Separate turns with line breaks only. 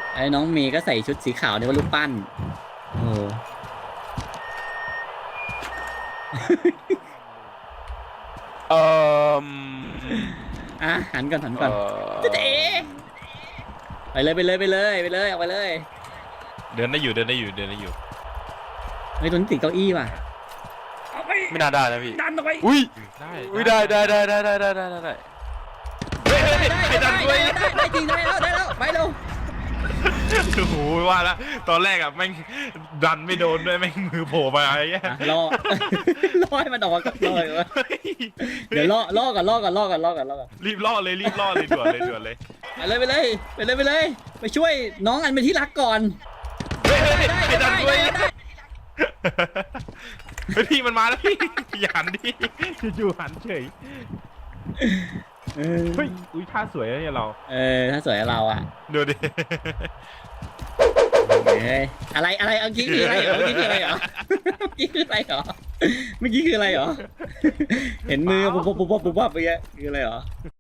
ไอ้น้องเมย์ก็ใส่ชุดสีขาวเนี่ยว่ารูปปั้นโอ้
เอ่อ
อ่ะหันก่อนหันก่อนเจ๊ไปเลยไปเลยไปเลยไปเลยออกไปเลย
เดินได้อยู่เดินได้อยู่เดินได้อยู่
เฮ้ยตัวนี้ติดเก้าอี้ว่ะเอาไป
ไม่น่าได้นะพี่
ดันออกไป
อุ้ย
ได้
อุ้ยได้ได้ได้ได้ได้ได้ได้ได้เฮ้ยเฮ้ยใครดันด้วย
ได้จริงได้แล้วไปเร็ว
โอ้โหว่าแล้วตอนแรกอะแม่งดันไม่โดนด้วยแม่งมือโผล่มาไอ้เงี้ย
รอ รอให้มันออกมาก่อนรอก่อนเดี๋ยวล่อก่อน
รีบล่อเลยรีบล่อเลยด่วนเลยด่วนเลย
ไปเลยไปช่วยน้องอันเป็นที่รักก่อน
เฮ้ยใครดันด้วยเฮ้ยพี่มันมาแล้วพี่อย่าหันดิจู่ๆหันเฉยเฮ้ยอุ้ยท่าสวยนะเนี่ยเรา
ถ้าสวยเราอ่ะ
ดูดิ
อะไรเมื่อกี้คืออะไรเหรอเมื่อกี้คืออะไรเหรอเห็นมือปุ๊บไปคืออะไรเหรอ